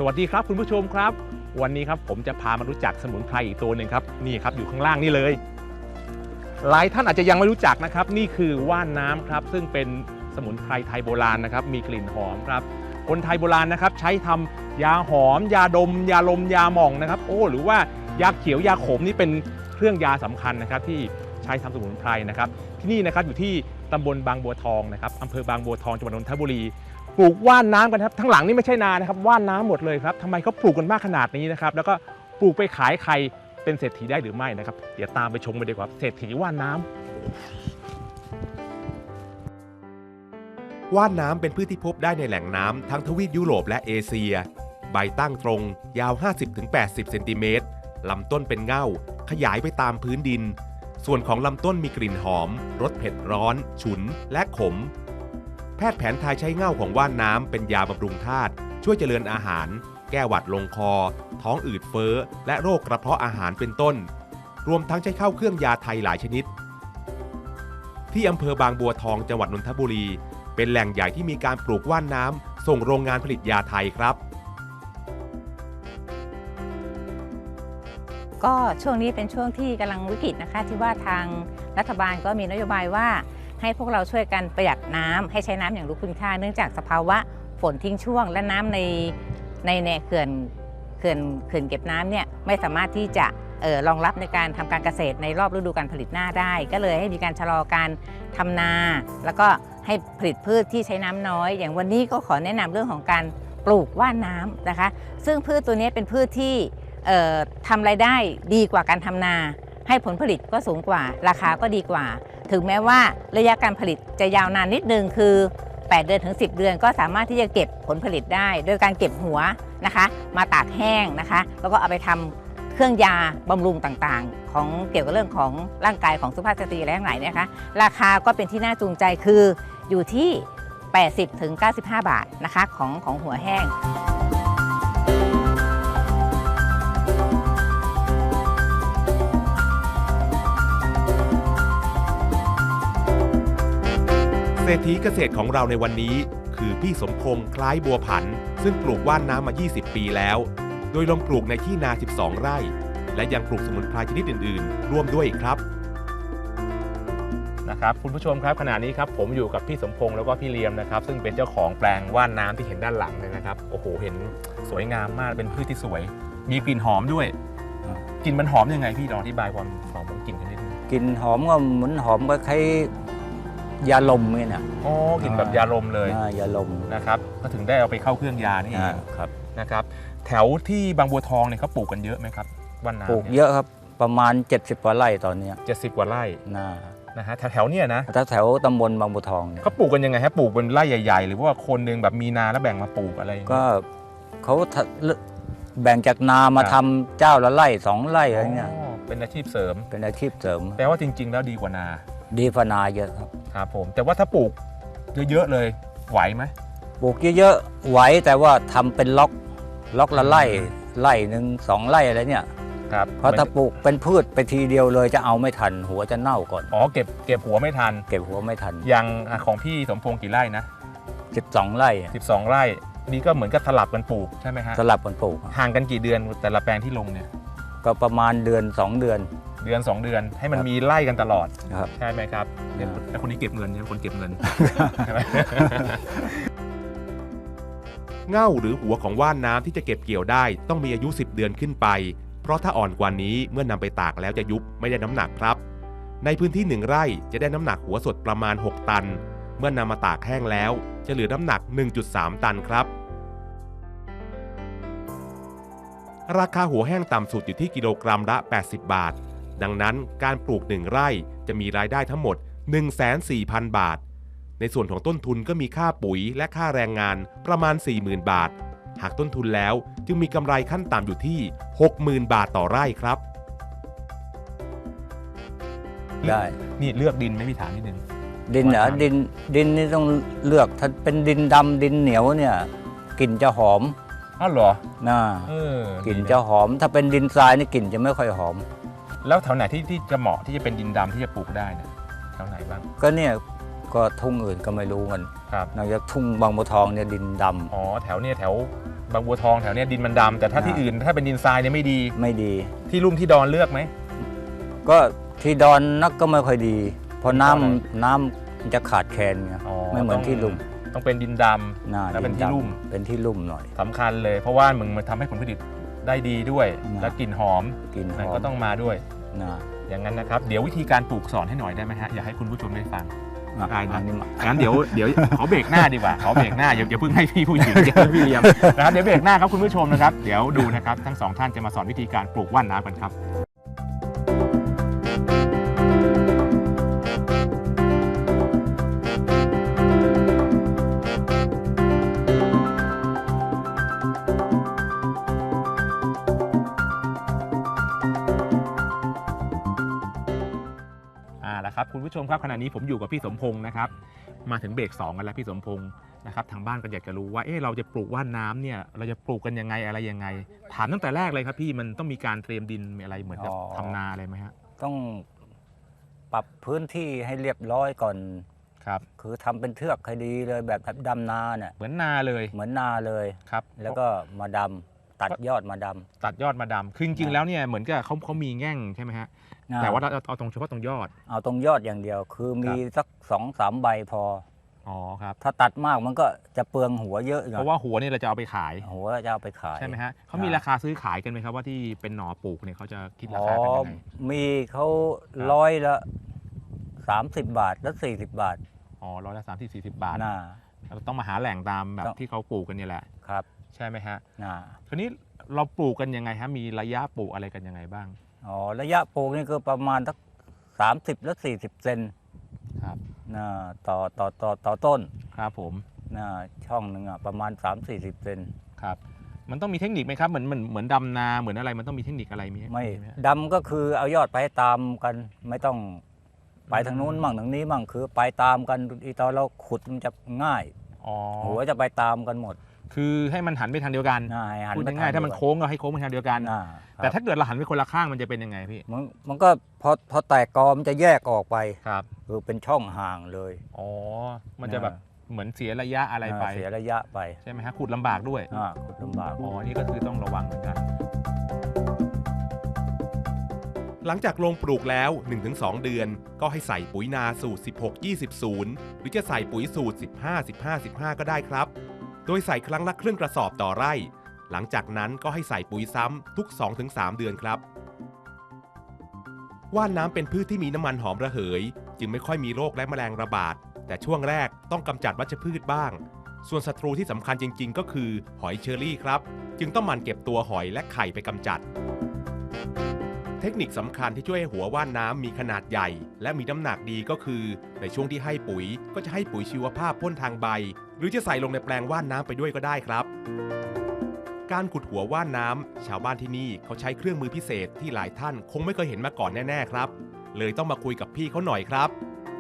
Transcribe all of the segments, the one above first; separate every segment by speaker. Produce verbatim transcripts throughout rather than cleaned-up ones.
Speaker 1: วัสดีครับคุณผู้ชมครับวันนี้ครับผมจะพามารู้จักสมุนไพรอีกตัวหนึ่งครับนี่ครับอยู่ข้างล่างนี่เลยหลายท่านอาจจะยังไม่รู้จักนะครับนี่คือว่านน้ำครับซึ่งเป็นสมุนไพรไทยโบราณนะครับมีกลิ่นหอมครับคนไทยโบราณนะครับใช้ทำยาหอมยาดมยาลมยาหม่องนะครับโอ้หรือว่ายาเขียวยาขมนี่เป็นเครื่องยาสำคัญนะครับที่ใช้ทำสมุนไพรนะครับที่นี่นะครับอยู่ที่ตำบลบางบัวทองนะครับอำเภอบางบัวทองจังหวัดนนทบุรีปลูกว่านน้ำกันครับทั้งหลังนี่ไม่ใช่นานะครับว่านน้ำหมดเลยครับทำไมเขาปลูกกันมากขนาดนี้นะครับแล้วก็ปลูกไปขายใครเป็นเศรษฐีได้หรือไม่นะครับเดี๋ยวตามไปชมกันดีกว่าเศรษฐีว่านน้
Speaker 2: ำว่านน้ำเป็นพืชที่พบได้ในแหล่งน้ำทั้งทวีปยุโรปและเอเชียใบตั้งตรงยาว ห้าสิบถึงแปดสิบ เซนติเมตรลำต้นเป็นเง่าขยายไปตามพื้นดินส่วนของลำต้นมีกลิ่นหอมรสเผ็ดร้อนฉุนและขมแพทย์แผนไทยใช้เง่าของว่านน้ำเป็นยาบำรุงธาตุช่วยเจริญอาหารแก้หวัดลงคอท้องอืดเฟ้อและโรคกระเพาะอาหารเป็นต้นรวมทั้งใช้เข้าเครื่องยาไทยหลายชนิดที่อำเภอบางบัวทองจังหวัดนนทบุรีเป็นแหล่งใหญ่ที่มีการปลูกว่านน้ำส่งโรงงานผลิตยาไทยครับ
Speaker 3: ก็ช่วงนี้เป็นช่วงที่กำลังวิกฤตนะคะที่ว่าทางรัฐบาลก็มีนโยบายว่าให้พวกเราช่วยกันประหยัดน้ำให้ใช้น้ำอย่างรู้คุณค่าเนื่องจากสภาวะฝนทิ้งช่วงและน้ำในในในเขื่อนเขื่อนเขื่อนเก็บน้ำเนี่ยไม่สามารถที่จะเอ่อรองรับในการทำการเกษตรในรอบฤดูการผลิตหน้าได้ก็เลยให้มีการชะลอการทำนาแล้วก็ให้ผลิตพืชที่ใช้น้ำน้อยอย่างวันนี้ก็ขอแนะนำเรื่องของการปลูกว่านน้ำนะคะซึ่งพืชตัวนี้เป็นพืชที่เอ่อทำรายได้ดีกว่าการทำนาให้ผลผลิตก็สูงกว่าราคาก็ดีกว่าถึงแม้ว่าระยะการผลิตจะยาวนานนิดนึงคือแปดเดือนถึงสิบเดือนก็สามารถที่จะเก็บผลผลิตได้โดยการเก็บหัวนะคะมาตากแห้งนะคะแล้วก็เอาไปทำเครื่องยาบำรุงต่างๆของเกี่ยวกับเรื่องของร่างกายของสุภาพสตรีอะไรทั้งหลายนะคะราคาก็เป็นที่น่าจูงใจคืออยู่ที่ แปดสิบถึงเก้าสิบห้า บาทนะคะของของหัวแห้ง
Speaker 2: เศรษฐีเกษตรของเราในวันนี้คือพี่สมพงษ์คล้ายบัวผันซึ่งปลูกว่านน้ำมายี่สิบปีแล้วโดยลงปลูกในที่นาสิบสองไร่และยังปลูกสมุนไพรชนิดอื่นๆร่วมด้วยอีกครับ
Speaker 1: นะครับคุณผู้ชมครับขณะนี้ครับผมอยู่กับพี่สมพงษ์แล้วก็พี่เลียมนะครับซึ่งเป็นเจ้าของแปลงว่านน้ำที่เห็นด้านหลังเลยนะครับโอ้โหเห็นสวยงามมากเป็นพืชที่สวยมีกลิ่นหอมด้วยกลิ่นมันหอมยังไงพี่ลองอธิบายความหอมของกลิ่นกันนิดนึง
Speaker 4: กลิ่นหอมก็เหมือนหอมก็คล้ายยาลมนี่นะ
Speaker 1: อ๋อกลิ่นแบบยาลมเลย
Speaker 4: ยาลม
Speaker 1: นะครับก็ถึงได้เอาไปเข้าเครื่องยานี่เองครับนะครับแถวที่บางบัวทองเนี่ยเขาปลูกกันเยอะไหมครับว่านน้ำ
Speaker 4: ปลูกเยอะครับประมาณเจ็ดสิบกว่าไร่ตอนนี้
Speaker 1: เจ็ดสิบกว่าไร่
Speaker 4: นะ
Speaker 1: นะฮะแถวๆเนี่ยนะ
Speaker 4: ถ้าแถวตำบลบางบัวทองเนี่ย
Speaker 1: เขาปลูกกันยังไงฮะปลูกเป็นไร่ใหญ่ๆหรือว่าคนหนึ่งแบบมีนาแล้วแบ่งมาปลูกอะไร
Speaker 4: ก็เขาแบ่งจากนามาทำเจ้าละไร่สองไร่อะไรเงี้ย
Speaker 1: เป็นอาชีพเสริม
Speaker 4: เป็นอาชีพเสริม
Speaker 1: แปลว่าจริงๆแล้วดีกว่านา
Speaker 4: ดีกว่านาเยอะครับ
Speaker 1: ครับผมแต่ว่าถ้าปลูกเยอะๆเลยไหวไหม
Speaker 4: ปลูกเยอะๆไหวแต่ว่าทำเป็นล็อกล็อกละไร่ไร่หนึ่งสองไร่อะไรเนี่ย
Speaker 1: ครับ
Speaker 4: เพราะถ้าปลูกเป็นพืชไปทีเดียวเลยจะเอาไม่ทันหัวจะเน่าก่อน
Speaker 1: อ๋อเก็บเก็บหัวไม่ทัน
Speaker 4: เก็บหัวไม่ทัน
Speaker 1: อย่างของพี่สมพงษ์กี่ไร่นะ
Speaker 4: สิบสองไร่
Speaker 1: สิบสองไร่นี่ก็เหมือนกับสลับกันปลูกใช่ไหมฮะ
Speaker 4: สลับกันปลูก
Speaker 1: ห่างกันกี่เดือนแต่ละแปลงที่ลงเนี่ย
Speaker 4: ก็ประมาณเดือนสองเดือน
Speaker 1: เดือนสองเดือนให้มันมีไล่กันตลอดใช่ไหมครับ
Speaker 4: แล้ว
Speaker 1: คนนี้เก็บเงินเนี่ยคนเก็บเงิน
Speaker 2: เง่าหรือหัวของว่านน้ำที่จะเก็บเกี่ยวได้ต้องมีอายุสิบเดือนขึ้นไปเพราะถ้าอ่อนกว่านี้เมื่อนำไปตากแล้วจะยุบไม่ได้น้ำหนักครับในพื้นที่หนึ่งไร่จะได้น้ำหนักหัวสดประมาณหกตันเมื่อนำมาตากแห้งแล้วจะเหลือน้ำหนัก หนึ่งจุดสาม ตันครับราคาหัวแห้งต่ำสุดอยู่ที่กิโลกรัมละแปดสิบบาทดังนั้นการปลูกหนึ่งไร่จะมีรายได้ทั้งหมด หนึ่งแสนสี่พัน บาทในส่วนของต้นทุนก็มีค่าปุ๋ยและค่าแรงงานประมาณ สี่หมื่น บาทหากต้นทุนแล้วจึงมีกำไรขั้นต่ำอยู่ที่ หกหมื่น บาทต่อไร่ครับ
Speaker 4: ได้
Speaker 1: นี่เลือกดินไม่มีถามนิดนึง
Speaker 4: ดินเหรอดินดินนี่ต้องเลือกถ้าเป็นดินดำดินเหนียวเนี่ยกลิ่นจะหอม
Speaker 1: อ้าวเหรอ
Speaker 4: น่ากลิ่นจะหอมถ้าเป็นดินทรายนี่กลิ่นจะไม่ค่อยหอม
Speaker 1: แล้วแถวไหนที่ที่จะเหมาะที่จะเป็นดินดำที่จะปลูกได้เนี่ยแถวไหนบ้าง
Speaker 4: ก็เนี่ยก็ทุ่งอื่นก็ไม่รู้มันนอกจากทุ่งบางบัวทองเนี่ยดินดำ
Speaker 1: อ๋อแถวเนี่ยแถวบางบัวทองแถวเนี้ยดินมันดำแต่ถ้าที่อื่นถ้าเป็นดินทรายเนี่ยไม่ดี
Speaker 4: ไม่ดี
Speaker 1: ที่ลุ่มที่ดอนเลือกไหม
Speaker 4: ก็ที่ดอนนักก็ไม่ค่อยดี เพราะน้
Speaker 1: เพราะอะไร
Speaker 4: ำน้ำมันจะขาดแคลนไง
Speaker 1: อ๋อ
Speaker 4: ไม่เหมือน
Speaker 1: ต้อง
Speaker 4: ที่ลุ่ม
Speaker 1: ต้องเป็นดินดำ
Speaker 4: น่า
Speaker 1: แล้วเป็น
Speaker 4: ดิ
Speaker 1: ที่
Speaker 4: ดำ
Speaker 1: ลุ่ม
Speaker 4: เป็นที่ลุ่มหน่อย
Speaker 1: สำคัญเลยเพราะว่ามึงมันทำให้ผลผลิตได้ดีด้วย
Speaker 4: นะ
Speaker 1: และกลิ่นหอม
Speaker 4: กินห
Speaker 1: นั่น
Speaker 4: อม
Speaker 1: ก็ต้องมาด้วย
Speaker 4: นะ
Speaker 1: อย่างนั้นนะครับเดี๋ยววิธีการปลูกสอนให้หน่อยได้ไหมฮะอยากให้คุณผู้ชมได้ฟัง
Speaker 4: อ่ะ
Speaker 1: ได้นะ
Speaker 4: อันนี้มา
Speaker 1: งั้นเดี๋ยวเดี๋ยวขอเบรกหน้าดีกว่าขอเบรกหน้าอย่าอย่าเพิ่งให้พี่ผู้หญิงอย่าให้พี่เลี้ยงนะครับเดี๋ยวเบรกหน้าครับคุณผู้ชมนะครับเดี๋ยวดูนะครับทั้งสองท่านจะมาสอนวิธีการปลูกว่านน้ำกันครับอ่าแล้วครับคุณผู้ชมครับขณะนี้ผมอยู่กับพี่สมพงศ์นะครับมาถึงเบรกสองกันแล้วพี่สมพงศ์นะครับทางบ้านก็อยากจะรู้ว่าเอ๊ะเราจะปลูกว่านน้ำเนี่ยเราจะปลูกกันยังไงอะไรยังไงถามตั้งแต่แรกเลยครับพี่มันต้องมีการเตรียมดินมีอะไรเหมือนกับทำนาอะไรไหมฮะ
Speaker 4: ต้องปรับพื้นที่ให้เรียบร้อยก่อน
Speaker 1: ครับ
Speaker 4: คือทำเป็นเทือกให้ดีเลยแบบดำนาเนี่ย
Speaker 1: เหมือนนาเลย
Speaker 4: เหมือนนาเลย
Speaker 1: ครับ
Speaker 4: แล้วก็มาดำตัดยอดมาด
Speaker 1: ตัดยอดมาดำคือจริงๆแล้วเนี่ยเหมือนกับเขาเขามีแง่งใช่ไหมฮะ
Speaker 4: ำ
Speaker 1: แต่ว่าเราเอาตรงเฉพาะตรงยอด
Speaker 4: เอาตรงยอดอย่างเดียว คือมีสักสองสามใบพอ
Speaker 1: อ๋อครับ
Speaker 4: ถ้าตัดมากมันก็จะเปลืองหัวเยอะหน่
Speaker 1: เพ
Speaker 4: อย
Speaker 1: ราะว่าหัวเนี่ยเราจะเอาไปขาย
Speaker 4: หัวจะเอาไปขาย
Speaker 1: ใช่ไหมฮะเขามี
Speaker 4: ครับ
Speaker 1: ราคาซื้อขายกันไหมครับว่าที่เป็นหน่อปลูกเนี่ยเขาจะคิดรา
Speaker 4: อ๋อ
Speaker 1: คากันยังไง
Speaker 4: มีเขา
Speaker 1: ครับ
Speaker 4: ร้อยละสามสิบบาทและสี่สิบบาท
Speaker 1: อ๋อร้อยละสามที่สี่สิบบาท
Speaker 4: น่า
Speaker 1: เราต้องมาหาแหล่งตามแบบ
Speaker 4: ต้อง
Speaker 1: ที่เขาปลูกกันเนี่ยแหละ
Speaker 4: ครับ
Speaker 1: ใช่ไหมฮะ
Speaker 4: น่า
Speaker 1: คราวนี้เราปลูกกันยังไงฮะมีระยะปลูกอะไรกันยังไงบ้าง
Speaker 4: อ๋อระยะปลูกนี่คือประมาณสักสามสิบและสี่สิบเซน
Speaker 1: ครับ
Speaker 4: น่าต่อต่อต่อต่อต้น
Speaker 1: ครับผม
Speaker 4: น่าช่องหนึ่งอ่ะประมาณสามสี่สิบเซน
Speaker 1: ครับมันต้องมีเทคนิคไหมครับเหมือนเหมือนเหมือนดำนาเหมือนอะไรมันต้องมีเทคนิคอะไรมี
Speaker 4: ไม่
Speaker 1: ฮะ
Speaker 4: ดำก็คือเอายอดไปตามกัน ไม่ต้องไปทางนู้นมั่งทางนี้มั่งคือไปตามกันอีตอนเราขุดมันจะง่าย
Speaker 1: อ๋อ
Speaker 4: หัวจะไปตามกันหมด
Speaker 1: คือให้มันหันไปทางเดียวกัน
Speaker 4: น่าให้หัน
Speaker 1: พูด
Speaker 4: ไป
Speaker 1: ง่ายๆถ้ามันโค้งก็ให้โค้งไปทางเดียวกัน
Speaker 4: น่า
Speaker 1: แต่ถ้าเกิดเราหันไปคนละข้างมันจะเป็นยังไงพี่
Speaker 4: มันมันก็พอพอแตกกอมันจะแยกออกไป
Speaker 1: ครับ
Speaker 4: คือเป็นช่องห่างเลย
Speaker 1: อ๋อมันจะแบบเหมือนเสียระยะอะไรไป
Speaker 4: อ่าเสียระยะไป
Speaker 1: ใช่ไหมฮะขุดลำบากด้วย
Speaker 4: อ่าขุดลำบาก
Speaker 1: อ๋อนี่ก็คือต้องระวังเหมือนกัน
Speaker 2: หลังจากลงปลูกแล้ว หนึ่งถึงสอง เดือน ก็ให้ใส่ปุ๋ยนาสูตร สิบหก ยี่สิบ ศูนย์ หรือจะใส่ปุ๋ยสูตร สิบห้า สิบห้า สิบห้า ก็ได้ครับ โดยใส่ครั้งละครึ่งกระสอบต่อไร่ หลังจากนั้นก็ให้ใส่ปุ๋ยซ้ำทุก สองถึงสาม เดือนครับ ว่านน้ำเป็นพืชที่มีน้ำมันหอมระเหย จึงไม่ค่อยมีโรคและแมลงระบาด แต่ช่วงแรกต้องกำจัดวัชพืชบ้าง ส่วนศัตรูที่สำคัญจริงๆ ก็คือหอยเชอรี่ครับ จึงต้องหมั่นเก็บตัวหอยและไข่ไปกำจัด เทคนิคสำคัญที่ช่วยให้หัวว่านน้ำมีขนาดใหญ่ และมีน้ำหนักดีก็คือ ในช่วงที่ให้ปุ๋ยก็จะให้ปุ๋ยชีวภาพพ่นทางใบ หรือจะใส่ลงในแปลงว่านน้ำไปด้วยก็ได้ครับ การขุดหัวว่านน้ำชาวบ้านที่นี่เขาใช้เครื่องมือพิเศษที่หลายท่านคงไม่เคยเห็นมาก่อนแน่ๆครับ เลยต้องมาคุยกับพี่เขาหน่อยครับ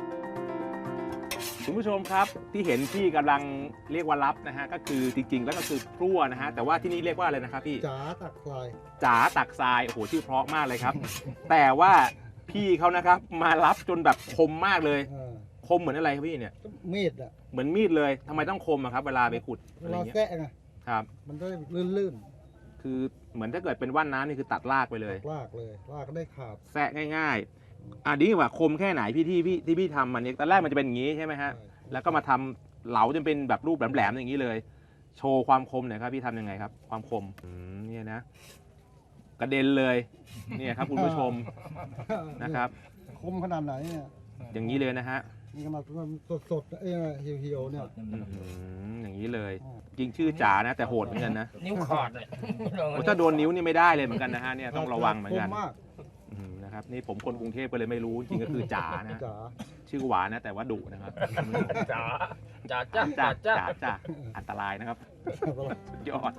Speaker 1: คุณผู้ชมครับที่เห็นพี่กำลังเรียกว่ารับนะฮะก็คือจริงๆ แล้วก็คือพลั่วนะฮะแต่ว่าที่นี่เรียกว่าอะไรนะครับพี่
Speaker 5: จ๋าตักทราย
Speaker 1: จ๋าตักทรายโอ้โหชื่อเพราะมากเลยครับ แต่ว่าพี่เขานะครับมารับจนแบบคมมากเลย
Speaker 5: เออ
Speaker 1: คมเหมือนอะไรครับพี่เนี่ย
Speaker 5: มีดอ่ะ
Speaker 1: เหมือนมีดเลยทำไมต้องคมอะครับเวลาไปขุด
Speaker 5: เว
Speaker 1: อะไร
Speaker 5: ลา
Speaker 1: เงี้ย
Speaker 5: แกะไง
Speaker 1: ครับ
Speaker 5: มันได้ลื่น
Speaker 1: คือเหมือนถ้าเกิดเป็นว่านน้ำนี่คือตัดรากไปเลย
Speaker 5: ๆลากเลยลากก็ได้ขาด
Speaker 1: แซะง่ายๆอ่ะดีกว่าคมแค่ไหนพี่ที่พี่ที่พี่ทำมันเนี่ยตอนแรกมันจะเป็นอย่างนี้ใช่ไหมฮะ
Speaker 5: ใช่
Speaker 1: แล้วก็มาทำเหลาจนเป็นแบบรูปแหลมๆอย่างนี้เลย โชว์ความคมหน่อยครับพี่ทำยังไงครับ ความคมอืมเนี่ยนะ กระเด็นเลยเนี่ยครับคุณผู้ชมนะครับ
Speaker 5: คมขนาดไหนเนี่ย
Speaker 1: อย่างนี้เลยนะฮะ
Speaker 5: นี่ขนาดสดๆเอ้ยเหี่ยวๆเนี่ย
Speaker 1: อื้อหืออย่างนี้เลย จริงชื่อจ๋านะ แต่โหดเหมือนกันนะ
Speaker 6: นิ้วขาดเลย
Speaker 1: โอ้ถ้าโดนนิ้วนี่ไม่ได้เลยเหมือนกันนะฮะเนี่ยต้องระวังเหมือนกัน
Speaker 5: คมมาก
Speaker 1: อื้อหือนะครับนี่ผมคนกรุงเทพก็เลยไม่รู้จริงก็คือจ๋านะ
Speaker 5: จ๋า
Speaker 1: ชื่อหวานนะแต่ว่าดุนะครับ
Speaker 6: จ๋าจ๋าจ้า
Speaker 1: จ๋า
Speaker 6: จ๋า
Speaker 1: จ๋าจ๋าอันตรายนะครับสุดยอด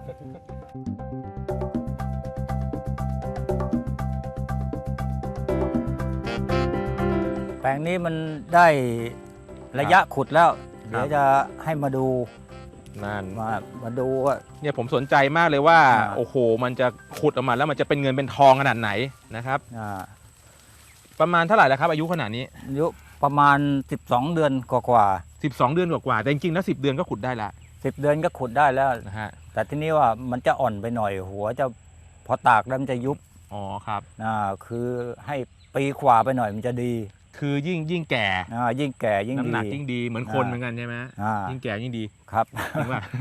Speaker 4: แปลงนี้มันได้ระยะขุดแล้ว เดี๋ยวจะให้มาดู
Speaker 1: นั่น
Speaker 4: มามาดูว่า
Speaker 1: เนี่ยผมสนใจมากเลยว่า
Speaker 4: อ่า
Speaker 1: โอ้โห มันจะขุดออกมาแล้วมันจะเป็นเงินเป็นทองขนาดไหนนะครับ
Speaker 4: อ่า
Speaker 1: ประมาณเท่าไหร่แล้วครับอายุขนาดนี้
Speaker 4: อายุประมาณ สิบสอง เดือนกว่า
Speaker 1: สิบสอง เดือนกว่าๆแต่จริงๆแล้วสิบเดือนก็ขุดได้ละ
Speaker 4: ๆสิบเดือนก็ขุดได้แล้ว
Speaker 1: นะฮะ
Speaker 4: แต่ทีนี้ว่ามันจะอ่อนไปหน่อยหัวจะพอตากแล้วมันจะยุบ
Speaker 1: อ๋อครับ
Speaker 4: อ่าคือให้ปีขวาไปหน่อยมันจะดี
Speaker 1: คือยิ่งยิ่งแก่
Speaker 4: อ่ายิ่งแก่ยิ่ง
Speaker 1: น้ำ
Speaker 4: ดี
Speaker 1: หนักยิ่งดีเหมือนคน
Speaker 4: อ่า
Speaker 1: เหมือนกันใช่ไหม
Speaker 4: อ่า
Speaker 1: ยิ่งแก่ยิ่งดี
Speaker 4: ครับ
Speaker 1: จริงป่ะ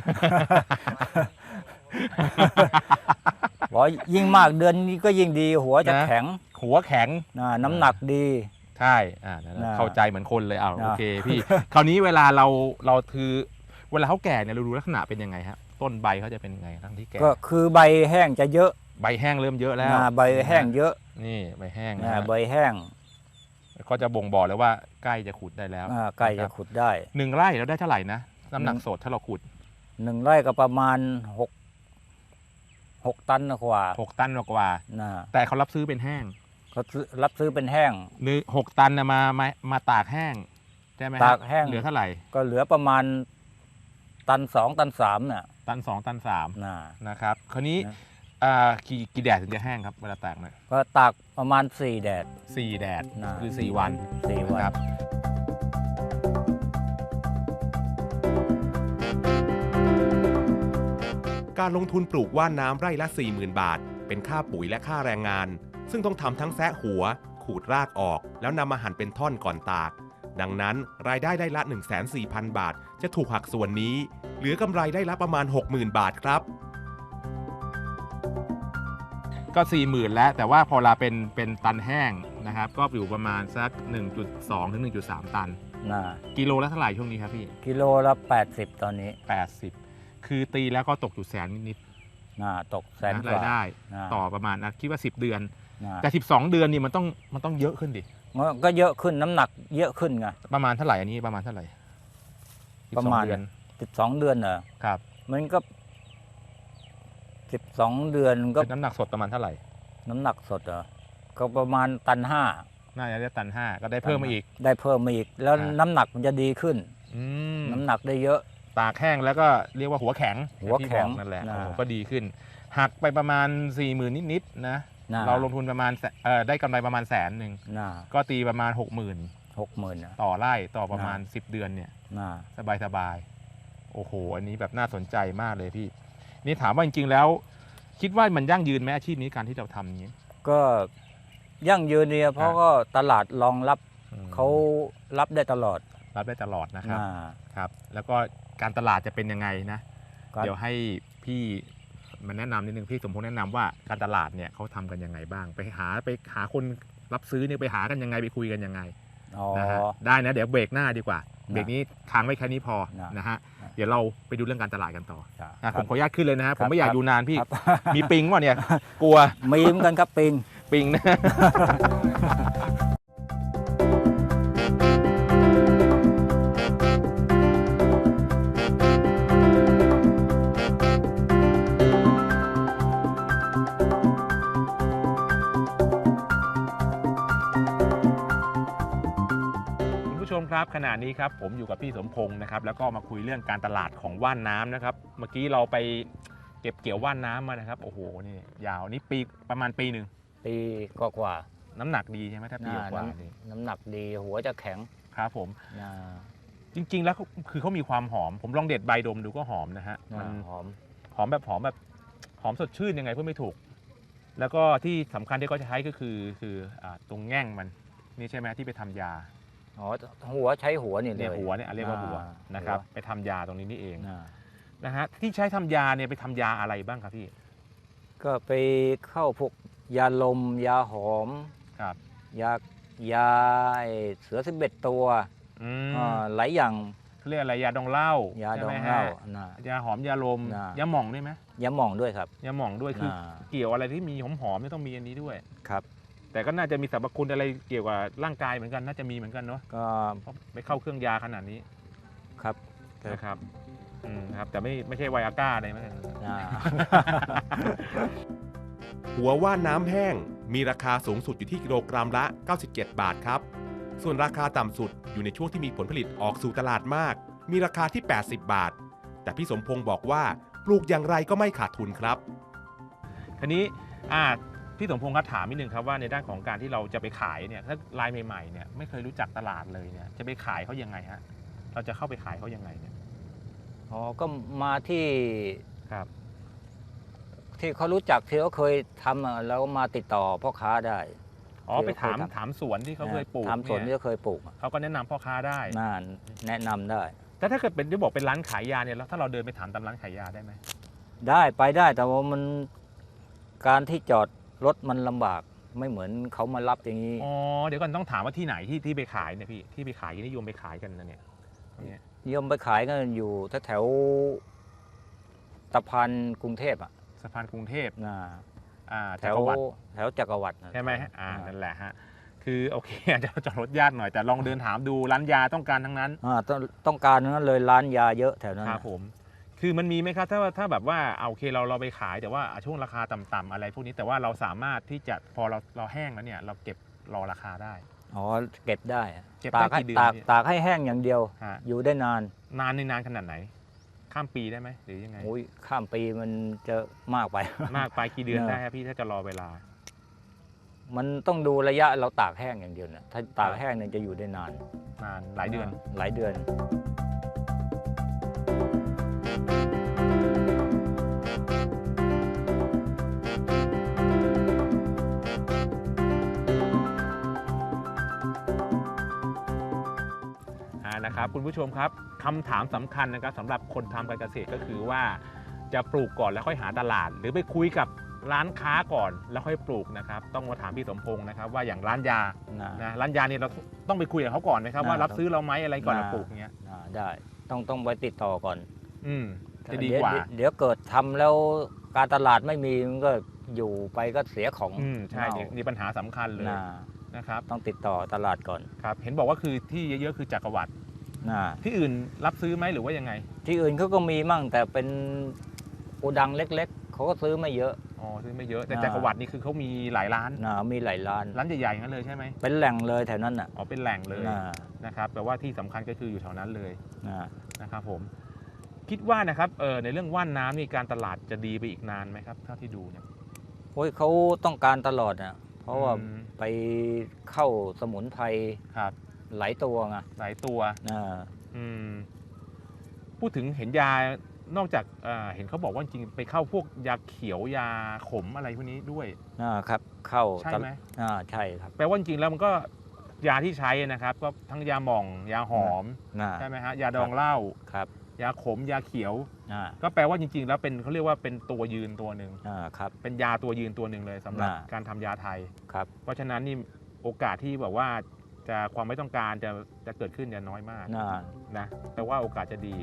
Speaker 4: บอกยิ่งมากเดือนนี้ก็ยิ่งดี หัวจะ
Speaker 1: นะ
Speaker 4: แข็ง
Speaker 1: หัวแข็ง
Speaker 4: อ่าน้ำหนักดี
Speaker 1: ใช่อ่านั่นแหละ
Speaker 4: น่ะ
Speaker 1: เข้าใจเหมือนคนเลยอ้าว
Speaker 4: น่ะ
Speaker 1: โอเคพี่ คราวนี้เวลาเราเราคือเวลาเขาแก่เนี่ยเราดูลักษณะเป็นยังไงฮะต้นใบเขาจะเป็นยังไงทั้งที่แก่
Speaker 4: ก็คือใบแห้งจะเยอะ
Speaker 1: ใบแห้งเริ่มเยอะแล้ว
Speaker 4: อ่าใบแห้งเยอะ
Speaker 1: นี่ใบแห้งนะ
Speaker 4: อ่า
Speaker 1: ฮะ
Speaker 4: ใบแห้ง
Speaker 1: ก็จะบ่งบอกเลยว่าใกล้จะขุดได้แล้ว
Speaker 4: อ่าใกล้
Speaker 1: นค
Speaker 4: จะ
Speaker 1: รับ
Speaker 4: ขุดได้
Speaker 1: หนึ่งไร่เราได้เท่าไหร่นะน้ำหนัก
Speaker 4: หนึ่ง
Speaker 1: สดถ้าเราขุด
Speaker 4: หนึ่งไร่ก็ประมาณหกหกตันกว่า
Speaker 1: หกตันกว่า
Speaker 4: นะ
Speaker 1: แต่เขารับซื้อเป็นแห้ง
Speaker 4: เขาซื้อรับซื้อเป็นแห้ง
Speaker 1: หรือหกตันนะมามามาตากแห้งใช่ไหมฮะ
Speaker 4: ตากแห้ง
Speaker 1: เหลือเท่าไหร่
Speaker 4: ก็เหลือประมาณตันสองตันสามน่ะ
Speaker 1: ตันสองตันสาม
Speaker 4: นะ
Speaker 1: นะครับคราวนี้
Speaker 4: นะ
Speaker 1: อ่ากี่กี่แดดถึงจะแห้งครับเวลาตากเนี่ย
Speaker 4: ก็ตากประมาณสี่แดด
Speaker 1: สี่แดด
Speaker 4: นะ
Speaker 1: คือสี่วัน
Speaker 4: สี่วัน
Speaker 1: นะครับ
Speaker 2: การลงทุนปลูกว่านน้ำไร่ละ สี่หมื่น บาท เป็นค่าปุ๋ยและค่าแรงงาน ซึ่งต้องทำทั้งแซะหัว ขูดรากออก แล้วนำมาหั่นเป็นท่อนก่อนตาก ดังนั้นรายได้ได้ละ หนึ่งแสนสี่พัน บาท จะถูกหักส่วนนี้ เหลือกำไรได้ละประมาณ หกหมื่น บาทครับ
Speaker 1: ก็สี่หมื่นแล้วแต่ว่าพอเราเป็นเป็นตันแห้งนะครับ ก็อยู่ประมาณสัก หนึ่งจุดสอง ถึง หนึ่งจุดสาม ตัน
Speaker 4: นะ
Speaker 1: กิโลละเท่าไหร่ช่วงนี้ครับพี่
Speaker 4: กิโลละแปดสิบตอนนี้
Speaker 1: แปดสิบคือตีแล้วก็ตกอยู่แสนนิด
Speaker 4: นะตก
Speaker 1: ๆ
Speaker 4: แสน
Speaker 1: นะ
Speaker 4: ก
Speaker 1: ราย
Speaker 4: ว่า
Speaker 1: ได้
Speaker 4: นะ
Speaker 1: ต่อประมาณนะคิดว่าสิบเดือน
Speaker 4: นะ
Speaker 1: แต่สิบสองเดือนนี่มันต้องมันต้องเยอะขึ้นดิ
Speaker 4: มันก็เยอะขึ้นน้ำหนักเยอะขึ้นไง
Speaker 1: ประมาณเท่าไหร่อันนี้ประมาณเท่าไหร่สิบ
Speaker 4: ประ
Speaker 1: สอง
Speaker 4: มาณ
Speaker 1: เดือน
Speaker 4: สิบสองเดือนเหรอ
Speaker 1: ครับ
Speaker 4: มันก็สิบสองเดือนก็
Speaker 1: เป็นน้ำหนักสดประมาณเท่าไหร่
Speaker 4: น้ำหนักสดเหรอก็ประมาณตันห้า
Speaker 1: น่าจะได้ตันห้าก็ได้เพิ่มมาอีก
Speaker 4: ได้เพิ่มมาอีก แล้ว
Speaker 1: อ่า
Speaker 4: น้ำหนักมันจะดีขึ้น
Speaker 1: อืม
Speaker 4: น้ำหนักได้เยอะ
Speaker 1: ตากแห้งแล้วก็เรียกว่าหัวแข็ง
Speaker 4: หัวแข็ง
Speaker 1: ที่บอกนั่นแหละ
Speaker 4: นะ
Speaker 1: โอ้โหก็ดีขึ้น หักไปประมาณ4ี่หมื่นนิดๆนะ
Speaker 4: นะ
Speaker 1: เราลงทุนประมาณแสเอ่อได้กำไรประมาณแสนหนึ่ง
Speaker 4: นะ
Speaker 1: ก็ตีประมาณ 6 0,000
Speaker 4: หกหมื่นนะ
Speaker 1: ต่อไร่ต่อประมาณ
Speaker 4: นะ
Speaker 1: สิบ เดือนเนี่ย
Speaker 4: นะ
Speaker 1: สบายสบายๆโอ้โห อันนี้แบบน่าสนใจมากเลยพี่ นี่ถามว่าจริงๆแล้ว คิดว่ามันยั่งยืนไหมอาชีพนี้การที่เราทำอย่างนี้
Speaker 4: ก็ยั่งยืนเนี่ยเพราะ
Speaker 1: อ่า
Speaker 4: ก็ตลาดรองรับ
Speaker 1: อืม
Speaker 4: เขารับได้ตลอด
Speaker 1: รับได้ตลอดนะครับ
Speaker 4: นะครับ
Speaker 1: แล้วก็การตลาดจะเป็นยังไงนะ
Speaker 4: ก็
Speaker 1: เดี๋ยวให้พี่มาแนะนำนิดนึงพี่สมพงษ์แนะนำว่าการตลาดเนี่ยเขาทำกันยังไงบ้าง ไปหาไปหาคนรับซื้อเนี่ยไปหากันยังไงไปคุยกันยังไง
Speaker 4: อ๋อ
Speaker 1: นะฮะได้นะเดี๋ยวเบรกหน้าดีกว่า
Speaker 4: นะ
Speaker 1: เบรกนี้ค้างไว้แค่นี้พอ
Speaker 4: นะ
Speaker 1: นะฮะ
Speaker 4: นะ
Speaker 1: เดี๋ยวเราไปดูเรื่องการตลาดกันต่อ
Speaker 4: ครับ
Speaker 1: นะผมขออนุญาตขึ้นเลยนะฮะผมไม่อยาก
Speaker 4: ครับ
Speaker 1: ดูนานพี่
Speaker 4: ครับ
Speaker 1: มีปิงวะเนี่ยกลัว
Speaker 4: มีเหมือนกันครับปิง
Speaker 1: ปิงนะ คุณผู้ชมครับขณะนี้ครับผมอยู่กับพี่สมพงศ์นะครับแล้วก็มาคุยเรื่องการตลาดของว่านน้ำนะครับ เมื่อกี้เราไปเก็บเกี่ยวว่านน้ำมานะครับโอ้โหนี่ยาวนี่ปีประมาณปีหนึ่ง
Speaker 4: ปีกว่า
Speaker 1: น้ำหนักดีใช่ไหมถ้า
Speaker 4: ๆ
Speaker 1: ปี
Speaker 4: นะ
Speaker 1: กว่า
Speaker 4: น้ำ
Speaker 1: นี่
Speaker 4: น้ำหนักดีหัวจะแข็ง
Speaker 1: ครับผม
Speaker 4: นะ
Speaker 1: จริง ๆ แล้วเขาคือเขามีความหอม ผมลองเด็ดใบดมดูก็หอมนะฮะ
Speaker 4: นะ
Speaker 1: มัน
Speaker 4: หอม
Speaker 1: หอมแบบหอมแบบหอมสดชื่นยังไงพูดไม่ถูก แล้วก็ที่สำคัญที่เขาจะใช้ก็คือคืออ่าตรงแง่งมันนี่ใช่ไหมที่ไปทำยา
Speaker 4: อ๋อหัวใช้หัวนี่เล
Speaker 1: เนี่ย
Speaker 4: ย
Speaker 1: หัวเนี่ยเรียกว่าหัว
Speaker 4: อ่า
Speaker 1: นะครับ
Speaker 4: หัว
Speaker 1: ไปทำยาตรงนี้นี่เอง
Speaker 4: นะ
Speaker 1: นะฮะที่ใช้ทำยาเนี่ยไปทำยาอะไรบ้างครับพี่
Speaker 4: ก็ไปเข้าพวกยาลม ยาหอม
Speaker 1: ครับ
Speaker 4: ยายาไอ้เสือสิบเอ็ดตัว
Speaker 1: อืม
Speaker 4: อ่าหลายอย่าง
Speaker 1: เขาเรียกอะไรยาดองเหล้าย
Speaker 4: า
Speaker 1: ใช่
Speaker 4: ดอ
Speaker 1: ไหม
Speaker 4: ง
Speaker 1: ฮะ
Speaker 4: เหล้านะ
Speaker 1: ยาหอมยาลม
Speaker 4: น่ะ
Speaker 1: ยาหม่องด้วยไหม
Speaker 4: ยาหม่องด้วยครับ
Speaker 1: ยาหม่องด้วยคือ
Speaker 4: นะ
Speaker 1: เกี่ยวอะไรที่มีหอมหอมๆไม่ต้องมีอันนี้ด้วย
Speaker 4: ครับ
Speaker 1: แต่ก็น่าจะมีสรรพคุณอะไรเกี่ยวกับร่างกายเหมือนกันน่าจะมีเหมือนกันเนาะ
Speaker 4: ก็
Speaker 1: เพราะไปเข้าเครื่องยาขนาดนี้
Speaker 4: ครับ
Speaker 1: นะครับอืมครับแต่ไม่ไม่ใช่ไวอาก้าอะไรมั้ง
Speaker 4: นะ
Speaker 2: หัวว่านน้ำแห้งมีราคาสูงสุดอยู่ที่กิโลกรัมละ เก้าสิบเจ็ด บาทครับ ส่วนราคาต่ำสุดอยู่ในช่วงที่มีผลผลิตออกสู่ตลาดมาก มีราคาที่ แปดสิบบาท แต่พี่สมพงศ์บอกว่าปลูกอย่างไรก็ไม่ขาดทุนครับ
Speaker 1: ทีนี้อ่าพี่สมพงศ์ครับถามนิดนึงครับว่าในด้านของการที่เราจะไปขายเนี่ยถ้าลายใหม่ๆเนี่ยไม่เคยรู้จักตลาดเลยเนี่ยจะไปขายเขายังไงฮะเราจะเข้าไปขายเขายังไงเนี่ย
Speaker 4: อ๋อก็มาที่
Speaker 1: ครับ
Speaker 4: ที่เขารู้จักที่เขาเคยทำอะแล้วมาติดต่อพ่อค้าได้
Speaker 1: อ๋อ
Speaker 4: ที่
Speaker 1: ไปถาม
Speaker 4: เคยทำ
Speaker 1: ถามสวนที่เขาเคยปลูก
Speaker 4: ทำสวนที่
Speaker 1: เนี่ย
Speaker 4: เขาเคยปลูกอะ
Speaker 1: เขาก็แนะนำพ่อค้าได้
Speaker 4: น่าแนะนำได้
Speaker 1: แต่ถ้าเกิดเป็นที่บอกเป็นร้านขายยาเนี่ยแล้วถ้าเราเดินไปถามตามร้านขายยาได้ไหม
Speaker 4: ได้ไปได้แต่ว่ามันการที่จอดรถมันลำบากไม่เหมือนเขามารับอย่างนี้
Speaker 1: อ๋อเดี๋ยวก่อนต้องถามว่าที่ไหนที่ที่ไปขายเนี่ยพี่ที่ไปขายนิยมไปขายกันนะเนี่ยตรงเนี้ย
Speaker 4: นิยมไปขายกันอยู่แถวๆตะพานกรุงเทพอ่ะ
Speaker 1: สะพานกรุงเทพ
Speaker 4: นะ
Speaker 1: อ่า
Speaker 4: แถ
Speaker 1: จัก
Speaker 4: ว
Speaker 1: รวรรดิ
Speaker 4: แถวจักรวรรดินะ
Speaker 1: ใช่ไหมฮะอ่านั่นแหละฮะคือโอเค อาจจะจอดรถยากหน่อยแต่ลองเดินถามดูร้านยาต้องการทั้งนั้น
Speaker 4: อ่าต้องต้องการนั้นเลยร้านยาเยอะแถวนั้น
Speaker 1: ครับ
Speaker 4: น่ะ
Speaker 1: ผมคือมันมีไหมครับถ้าถ้าแบบว่าเอาโอเคเราเราไปขายแต่ว่าช่วงราคาต่ำๆอะไรพวกนี้แต่ว่าเราสามารถที่จะพอเราเราแห้งแล้วเนี่ยเราเก็บรอราคาได้
Speaker 4: อ๋อเก็บได้อะ
Speaker 1: เก็บได้
Speaker 4: ตากให้
Speaker 1: กี่เดือน
Speaker 4: ตาก
Speaker 1: พี่
Speaker 4: ตากให้แห้งอย่างเดียว
Speaker 1: ฮะ
Speaker 4: อยู่ได้นาน
Speaker 1: นานในนานขนาดไหน ข้ามปีได้ไหมหรือยังไง
Speaker 4: โอ้ยข้ามปีมันจะมากไป
Speaker 1: มากไปกี่เดือน
Speaker 4: เนอะ
Speaker 1: ได้ครับพี่ถ้าจะรอเวลา
Speaker 4: มันต้องดูระยะเราตากแห้งอย่างเดียวนะถ้าตากแห้งเนี่ยจะอยู่ได้นาน
Speaker 1: นานหลายเดือน
Speaker 4: หลายเดือน
Speaker 1: อ่านะครับคุณผู้ชมครับคำถามสำคัญนะครับสำหรับคนทำการเกษตรก็คือว่าจะปลูกก่อนแล้วค่อยหาตลาด หรือไปคุยกับร้านค้าก่อนแล้วค่อยปลูกนะครับต้องมาถามพี่สมพงศ์นะครับว่าอย่างร้านยา
Speaker 4: นะ
Speaker 1: นะร้านยาเนี่ยเราต้องไปคุยกับเขาก่อนไหมครับ
Speaker 4: นะ
Speaker 1: ว่ารับซื้อเราไหมอะไรก่อน
Speaker 4: นะ
Speaker 1: เราปลูกอย่างเงี้ย
Speaker 4: อ่าได้ต้องต้องไปติดต่อก่อน
Speaker 1: อืมจะดีกว่า
Speaker 4: เดี๋ยเดี๋ยวเกิดทำแล้วการตลาดไม่มีมันก็อยู่ไปก็เสียของ
Speaker 1: อืมใช่
Speaker 4: เน่า
Speaker 1: นี่นี่ปัญหาสำคัญเลย
Speaker 4: นะ
Speaker 1: นะครับ
Speaker 4: ต้องติดต่อตลาดก่อน
Speaker 1: ครับเห็นบอกว่าคือที่เยอะๆคือจักรวรรดิ
Speaker 4: นะ
Speaker 1: ที่อื่นรับซื้อไหมหรือว่ายังไง
Speaker 4: ที่อื่นเขาก็มีมั่งแต่เป็นโกดังเล็กๆเขาก็ซื้อไม่เยอะ
Speaker 1: อ๋อซื้อไม่เยอะแต่
Speaker 4: อ่า
Speaker 1: จักรวรรดินี่คือเขามีหลายร้าน
Speaker 4: นะมีหลายร้าน
Speaker 1: ร้านใหญ่ๆอย่างนั้นเลยใช่ไหม
Speaker 4: เป็นแหล่งเลยแถวนั้นน่ะ
Speaker 1: อ๋อเป็นแหล่งเลย
Speaker 4: นะ
Speaker 1: นะครับแปลว่าที่สำคัญก็คืออยู่แถวนั้นเลย
Speaker 4: นะ
Speaker 1: นะครับผมคิดว่านะครับเออในเรื่องว่านน้ำนี่การตลาดจะดีไปอีกนานไหมครับเท่าที่ดูเนี่ย
Speaker 4: โอ้ยเขาต้องการตลอดนะเพราะว่า
Speaker 1: อืม
Speaker 4: ไปเข้าสมุนไพร
Speaker 1: ครับ
Speaker 4: หลายตัวไง
Speaker 1: หลายตัว
Speaker 4: นะ
Speaker 1: อืมพูดถึงเห็นยานอกจากเอ่อเห็นเขาบอกว่าจริงๆไปเข้าพวกยาเขียวยาขมอะไรพวกนี้ด้วย
Speaker 4: นะครับเข้า
Speaker 1: ใช่ไหม
Speaker 4: อ่าใช่ครับ
Speaker 1: แปลว่าจริงๆแล้วมันก็ยาที่ใช้นะครับ ก็ทั้งยาหม่อง ยาหอม
Speaker 4: นะ
Speaker 1: ใช่ไหมฮะยาดองเหล้า
Speaker 4: ครับ
Speaker 1: ยาขม ยาเขียว
Speaker 4: อ่า
Speaker 1: ก็แปลว่าจริง ๆ แล้วเป็นเขาเรียกว่าเป็นตัวยืนตัวหนึ่ง
Speaker 4: อ่าครับ
Speaker 1: เป็นยาตัวยืนตัวหนึ่งเลยสำหรับ
Speaker 4: อ่า
Speaker 1: การทำยาไทย
Speaker 4: ครับ
Speaker 1: เพราะฉะนั้นนี่โอกาสที่แบบว่าจะความไม่ต้องการจะจะเกิดขึ้นจะน้อยมาก
Speaker 4: นะ
Speaker 1: นะแต่ว่าโอกาสจะดี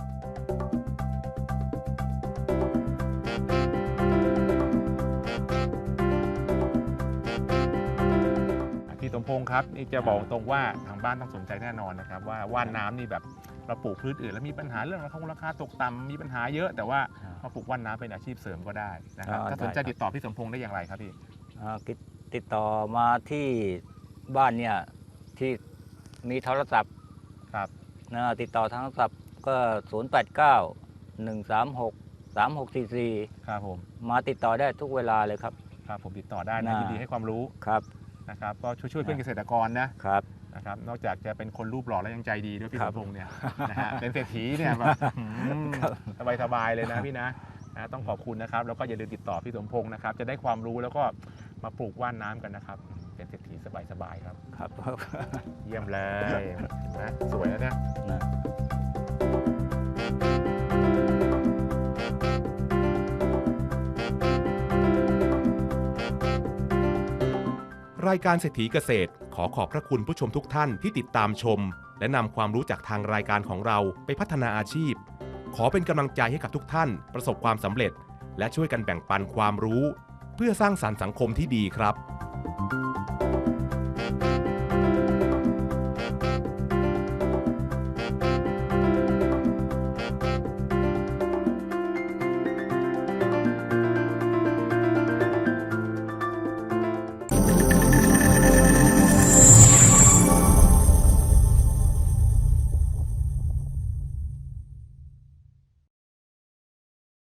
Speaker 1: พี่สมพงศ์ครับนี่จะบอกตรงว่าทางบ้านต้องสนใจแน่นอนนะครับว่าว่านน้ำนี่แบบเราปลูกพืชอื่นแล้วมีปัญหาเรื่องราคาราคาตกต่ำมีปัญหาเยอะแต่ว่ามาปลูกว่านน้ำเป็นอาชีพเสริมก็ได้นะครับถ้าสนใจติดต่อพี่สมพงศ์ได้อย่างไรครับพี่
Speaker 4: อ่าติดติดต่อมาที่บ้านเนี่ยที่มีโทรศัพท์
Speaker 1: ครับ
Speaker 4: นะติดต่อทางโทรศัพท์ก็ ศูนย์ แปด เก้า หนึ่ง สาม หก สาม หก สี่ สี่
Speaker 1: ครับผม
Speaker 4: มาติดต่อได้ทุกเวลาเลยครับ
Speaker 1: ครับผมติดต่อได้นะ
Speaker 4: น่า
Speaker 1: ยินดีให้ความรู้
Speaker 4: ครับ
Speaker 1: นะครับก็ช่วยช่วยๆเพื่อนเกษตรกรนะครับ นะครับนอกจากจะเป็นคนรูปหล่อแล้วยังใจดีด้วยพี่
Speaker 4: ครั
Speaker 1: ส
Speaker 4: บ
Speaker 1: มพงษ์เนี่ยนะฮะเป็นเศรษฐีเนี่ยแบบสบายสบายๆเลยนะพี่นะนะต้องขอบคุณนะครับแล้วก็อย่าลืมติดต่อพี่สมพงษ์นะครับจะได้ความรู้แล้วก็มาปลูกว่านน้ำกันนะครับเป็นเศรษฐีสบายๆครับ
Speaker 4: ครับ
Speaker 1: เยี่ยมเลยเห็นไหมสวยแล้วเนี่ย
Speaker 4: นะ
Speaker 2: รายการเศรษฐีเกษตรขอขอบพระคุณผู้ชมทุกท่านที่ติดตามชม และนำความรู้จากทางรายการของเราไปพัฒนาอาชีพ ขอเป็นกำลังใจให้กับทุกท่านประสบความสำเร็จ และช่วยกันแบ่งปันความรู้ เพื่อสร้างสรรค์สังคมที่ดีครับ